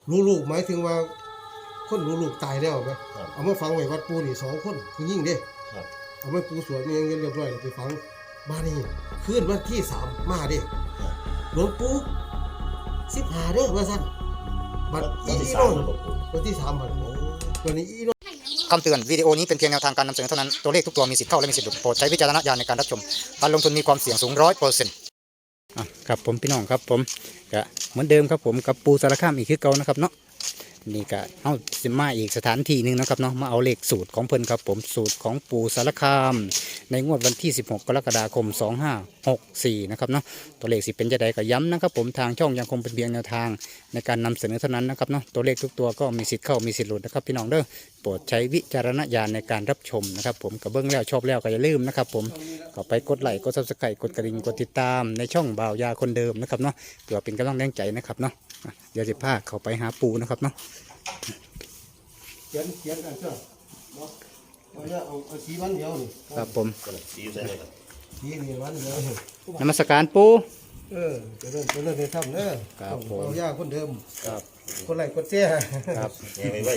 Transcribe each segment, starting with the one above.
ลูกหมายถึงว่าคนลูกตายแล้วไหมเอามาฝังไว้วัดปูนี่2 คนผู้หญิงเด้เอามาปูสวยมีเงินเรียบร้อยไปฝังบ้านนี้คืนวันที่3มาเด้หลวงปู่15เด้อว่าซั่นบัดอีโน่วันที่3บัดวันนี้อีโน่คำเตือนวิดีโอนี้เป็นเพียงแนวทางการนำเสนอเท่านั้นตัวเลขทุกตัวมีสิทธิ์เข้าและมีสิทธิ์หลุดโปรดใช้วิจารณญาณในการรับชมการลงทุนมีความเสี่ยงสูง100%ครับผมพี่น้องครับผมก็เหมือนเดิมครับผมกับปูสารคามอีกคือเก่านะครับเนาะนี่ก็เอาสิมาอีกสถานที่หนึ่งนะครับเนาะมาเอาเลขสูตรของเพิ่นครับผมสูตรของปูสารคามในงวดวันที่16 กรกฎาคม 2564นะครับเนาะตัวเลขสิเป็นจะใดก็ย้ำนะครับผมทางช่องยังคงเป็นเพียงแนวทางในการนำเสนอเท่านั้นนะครับเนาะตัวเลขทุกตัวก็มีสิทธิ์เข้ามีสิทธิ์หลุดนะครับพี่น้องเด้อโปรดใช้วิจารณญาณในการรับชมนะครับผมกับเบื้องแล้วชอบแล้วก็อย่าลืมนะครับผมก็ไปกดไลค์กดซับสไครต์กดกระดิ่งกดติดตามในช่องบ่าวยาคนเดิมนะครับเนาะเพื่อเป็นกำลังแรงใจนะครับเนาะเดี๋ยวจะพาเขาไปหาปูนะครับเนาะเขียนกันเถอะเนาะเอาสีวันเดียวนี่ครับผมสีนี่วันเดียวนมัสการปูจะเริ่มในถ้ำเด้อครับผมเอาย่าคนเดิมครับคนไหลคนเจ้ครับยังไงไว้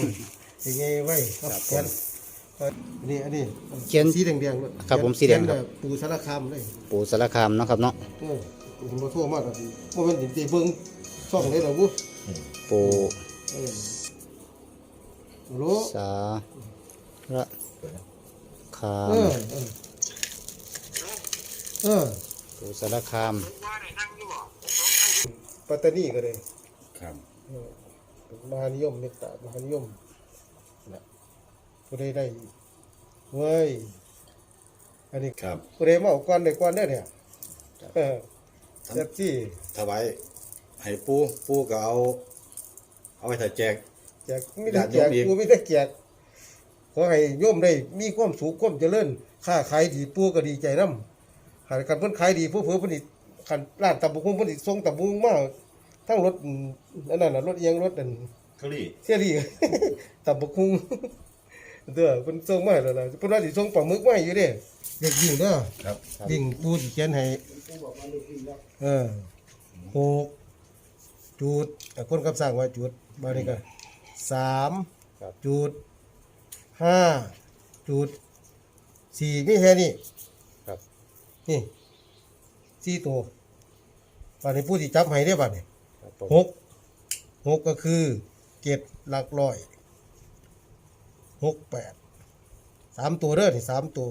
ครับเขียนอันนี้เขียนสีแดงๆครับผมสีแดงครับปูสารคามเลยปูสารคามเนาะครับเนาะผมมาทั่วมากครับว่ามันตีเบิ้งช่องเลยหรอบุ๊ปูโลสารคามปูสารคามปัตตานีก็เลยครับมหานิยมเมตตามหานิยมนะก็ได้เว้ยอันนี้ครับก็ได้มาเอาก้อนได้ก้อนได้เนี่ยเจ็บที่ถวายให้ปูก็เอาไปถ่ายแจกไม่ได้แจกปูไม่ได้แจกขอให้โยมได้มีความสุขความเจริญค้าขายดีปูก็ดีใจน้ำหากการเพิ่นขายดีผู้เพิ่นผลิตขันร้านตับบุ้งผลิตส่งตับบุ้งมาทั้งรถนั่นน่ะรถเอียงรถนั่นเกาหลีเสียดีตับบุ้งเด้อเพิ่นส่งมาแล้วล่ะเพิ่นว่าสิส่งปลาหมึกมาอยู่เด้เด็กวิ่งเด้อครับวิ่งปูสิเขียนให้6 จุดคนกับสร้างไว้จุดบานี้ก็3 จุด 5 จุด 4มีแค่นี้ครับนี่4ตัวบานี้ผู้ที่จับให้ได้บานี้6ก็คือ7 หลักร้อย6 8 3ตัวเด้อนี่3ตัว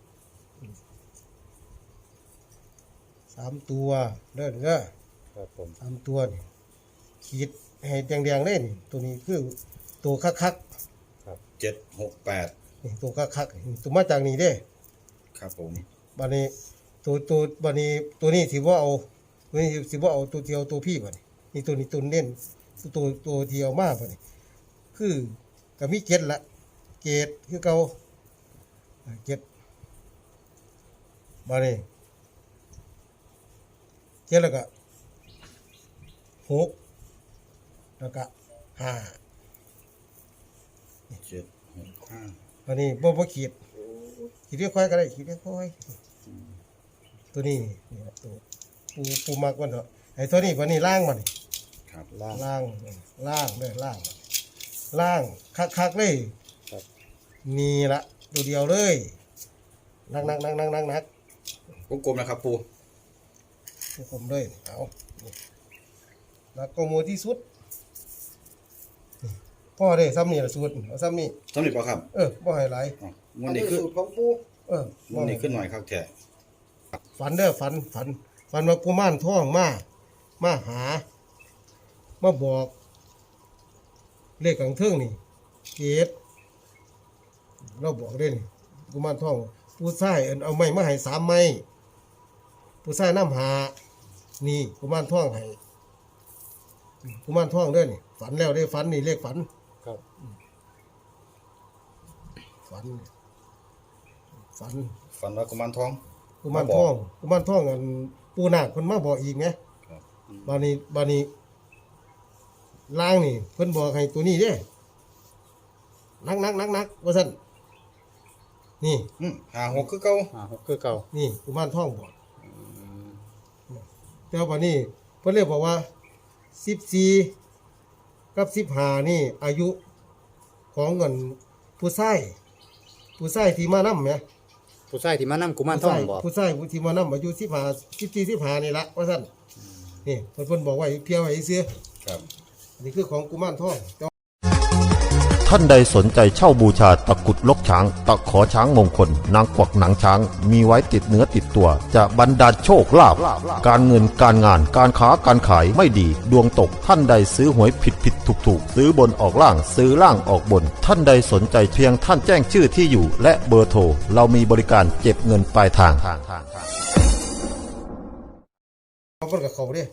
3ตัวเด้อเด้อครับผม 3ตัวนี่ขีดให้แดงๆเลยนี่ตัวนี้คือตัวคักครับ768 นี่ตัวคักตัวมาจากนี่เด้ครับผมบัดนี้ตัวบัดนี้ตัวนี้สิบ่เอาตัวนี้สิบ่เอาตัวเดียวตัวพี่บัดนี้นี่ตัวนี้ตัวเน้นตัวเดียวมาบัดนี้คือก็มี7ละเกตคือเก่า7บัดนี้7แล้วก็6แล้วก็5 765 อันนี้บ่ขีดเรียกค่อยก็ได้ขีดเรียกค่อยตัวนี้นี่ตัวปูมักมันเถอะไอ้ตัวนี้วันนี้ล่างมันครับล่างเลยล่างคักเลยนี่ละตัวเดียวเลยนักกลมๆนะครับปูผมเลยเอานักก็มูที่สุดพ่อได้ซ้ำนี่ละสูตรเอาซ้ำนี่ป่ะครับบ่ให้หลายมันนี่ขึ้นสูตรของปูมันนี่ขึ้นหน่อยครับแท้ฝันเด้อฝันว่ากุมารทองมาหามาบอกเลขกลางเทิงนี่เกตเราบอกเด้นี่กุมารทองผู้ชายเอาไม้มาให้3 ไม้ผู้ชายน้ำหานี่กุมารทองให้กุมารทองเด้อนี่ฝันแล้วได้ฝันนี่เลขฝันครับฝันว่ากุมารทองอันปูนาคเพิ่นมาบอกอีกไงบานี้ล่างนี่เพิ่นบอกให้ตัวนี้เด้นักว่าซั่นนี่ 56คือเก่านี่กุมารทองบอกแต่ว่าบัดนี้เพิ่นเลยบอกว่า14 กับ15นี่อายุของเงินผู้ชายที่มานำแหมผู้ชายที่มานํกุมารทองบอกผู้ชายที่มานำอายุ15นี่ละว่าซั่นนี่เพิ่นบอกไว้เพียไว้ซื่อครับอันนี้คือของกุมารทองท่านใดสนใจเช่าบูชาตะกรุดลกช้าง ตะขอช้างมงคล นางกวักหนังช้าง มีไว้ติดเนื้อติดตัว จะบรรดาลโชคลาภการเงินการงานการค้าการขายไม่ดี ดวงตกท่านใดซื้อหวยผิดถูกซื้อบนออกล่างซื้อล่างออกบน ท่านใดสนใจเพียงท่านแจ้งชื่อที่อยู่ และเบอร์โทรเรามีบริการเก็บเงินปลายทางเอาเพิ่นก็เข้าเด้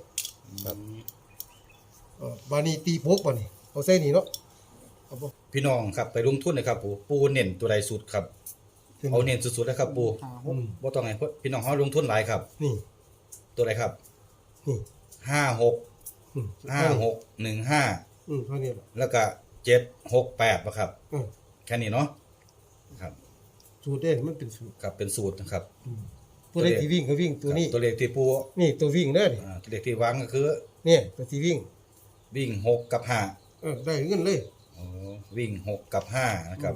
บานี้ตีพกบานี้เอาใส่นี่เนาะเอาบ่พี่น้องครับไปลงทุนนะครับปูเน้นตัวใดสุดครับเอาเน้นสุดๆนะครับปูบ่ต้องให้พี่น้องเฮาลงทุนหลายครับนี่ตัวใดครับนี่ 56 อืม 5615 เท่านี้ล่ะแล้วก็768บ่ครับอืมแค่นี้เนาะครับสูตรเด้มันเป็นสูตรครับเป็นสูตรนะครับผู้ใดที่วิ่งก็วิ่งตัวนี้ตัวเลขที่ปูนี่ตัววิ่งเด้อนี่ตัวเลขที่วางก็คือเนี่ยตัวที่วิ่งวิ่ง6กับ5 ได้เงินเลยอ๋อวิ่ง6กับ5นะครับ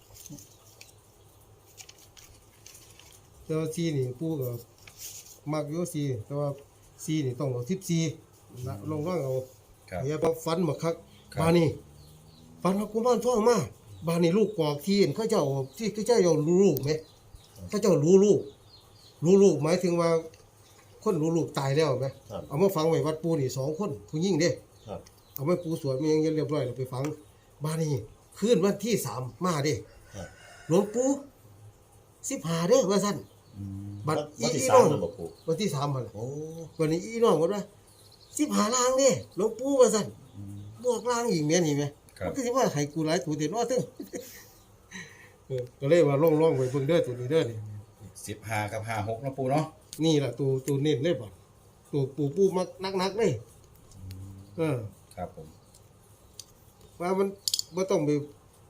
แต่ว่าซีนี่ปู่ก็มักอยู่ซีแต่ว่าซีนี่ต้องเอา14นะลองเอาครับอย่าบ่ฟันมาคักครับบานี้ฟันว่ากุมารทองมาบานี้ลูกกอกที่เห็นเขาเจ้าที่เขาเจ้ารู้ลูกไหมเขาเจ้ารู้ลูกหมายถึงว่าคนรู้ลูกตายแล้วไหมครับเอามาฝังไว้วัดปู่นี่2คนผู้หญิงเด้ครับเอาไว้ปู่สวดมันยังเรียบร้อยแล้วไปฝังบานี้คืนวันที่3มาเด้ครับหลวงปู่15เด้อว่าซั่นบัดวันที่อีสาน้มองนั่นบ่ปู่วันที่3มันโอ้วันนี้อีน้องว่า15ล้างเด้หลวงปู่ว่าซั่นบวกล้างอีกแม่นนี่แม่ครับมันก็สิว่าให้กูหลายตัวเด็ดว่าตึ้ง ก็เลยว่าล่องๆไว้เบิ่งเด้อตัวนี้เด้อนี่ 15กับ56นะปูเนาะนี่ล่ะตัวเน้นเลยบ่ตัวปูมักนักๆเลยครับผมว่ามันบ่ต้องไป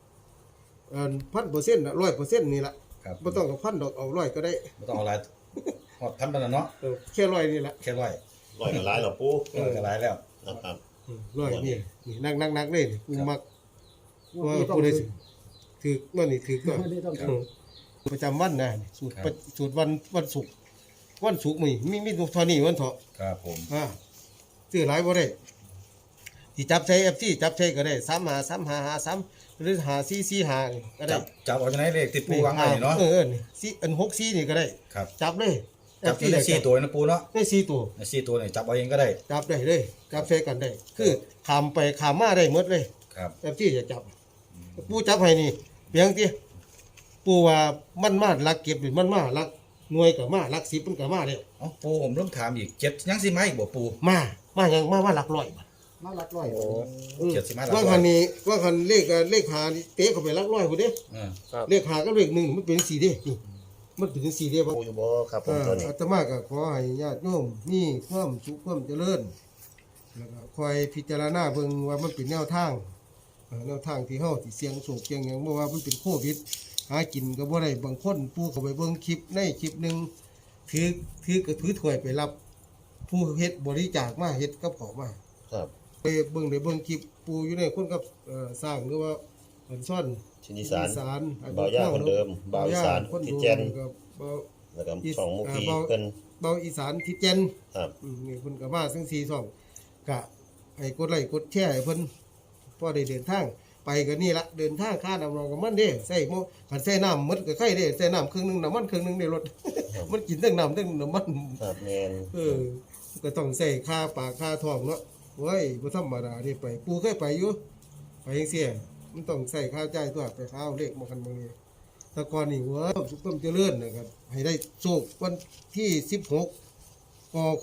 1,000%น่ะ100%นี่ล่ะครับบ่ต้องกับ1,000ดอกเอา100ก็ได้บ่ต้องเอาหลายฮอดพันปานนั้นเนาะแค่100นี่ล่ะแค่ร้อยร้อยกับหลายเหรอปู่ก็หลายแล้วครับ 100นี่นักเลยนี่กูมักว่าผู้ใดสิถือว่านี่ถือก็ประจำวันนะนี่สูตรวันศุกร์มีตัวเท่านี้วันเถาะครับผมซื้อหลายบ่ได้ที่จับใช้ FC จับใช้ก็ได้353553หรือ5445ก็ได้จับเอาจากไหนเลขที่ปูวางไว้นี่เนาะนี่4อัน64นี่ก็ได้ครับจับเลยจับที่ได้4ตัวนะปูเนาะได้4ตัวใน4ตัวนี่จับเอาเองก็ได้จับได้เลยจับใช้กันได้ คือขามไปขามมาได้หมดเลยครับ FC จะจับปูจับให้นี่เพียงที่ปูว่ามันมาลักเก็บหรือมันมาลักหน่วยก็มาลัก10มันก็มาแล้วเอ้าปูผมเริ่มถามอีก7ยังสิมาอีกบ่ปูมาหยังมาลักร้อยบาทมาลักร้อยเจ็ดสิมาหลักว่าร้คัอน ยนี้ว่าคันเลขหานี่เตะเข้าไปลักร้อยพุ่นเด้เออเลขหากับเลข1มันเป็น4เด้นี่มันเป็น4เด้บ่ปู่อยู่บ่ครับผมตัวนี้อาตมาก็ขอให้ญาติโยมมีความสุขความเจริญแล้วก็คอยพิจารณาเบิ่งว่ามันเป็นแนวทางแนวทางที่เฮาสิเสี่ยงโศกเสี่ยงหยังบ่ว่ามันเป็นโควิดหากินก็บ่ได้บางคนปู่เข้าไปเบิ่งคลิปในคลิปหนึงถือก็ถือถ้วยไปรับ ผู้เฮ็ดบริจาคมาเฮ็ดกับของมาครับไปเบิ่งได้เบิ่งคลิปปู่อยู่ในคนกับสร้างหรือว่าอันซ่อนชินอีสานสานบ่าวย่าคนเดิมบ่าวอีสานคนที่ดูแจนกับบ่าวแล้วก็ช่องมุกีเพิ่นเบาอีสานทิศเจนครับนี่เพิ่นก็มาซึ่ง4 2ก็ให้กดไลค์กดแชร์ให้เพิ่นพอได้เดินทางไปก็นี่ละเดินทางค่าน้ำมันกับมันเด้ใส่หม้อคันใส่น้ำหมดก็ไข่เด้ใส่น้ำครึ่งหนึงน้ำมันครึ่งหนึงในรถ มันกินทั้งน้ำทั้งน้ำมันครับแม่นก็ต้องใส่ค่าปากค่าท้องเนาะเว้ยบ่ธรรมดาเด้ไปปู่เคยไปอยู่ไปจังซี่มันต้องใส่ค่าจ่ายตัวไปข้าวเลขมากันบางนี้แต่ก่อนนี่เว้ยสุขต้มเจริญนะครับให้ได้โชควันที่16กค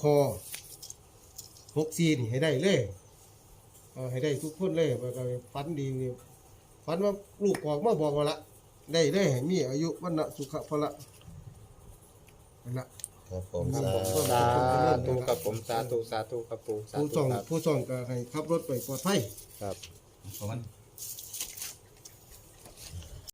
64นี่ให้ได้เลยให้ได้ทุกคนเลยว่าก็ฝันดีนี่ฝันว่าลูกออกมาบอกว่าละได้เลยให้มีอายุวันนะสุขะพละนั่นละครับผมครับผมสาธุครับผมสาธุครับปู่สาผู้ธุส่องครับผู้ส่องก็ให้ขับรถไปปลอดภัยครับประมาณ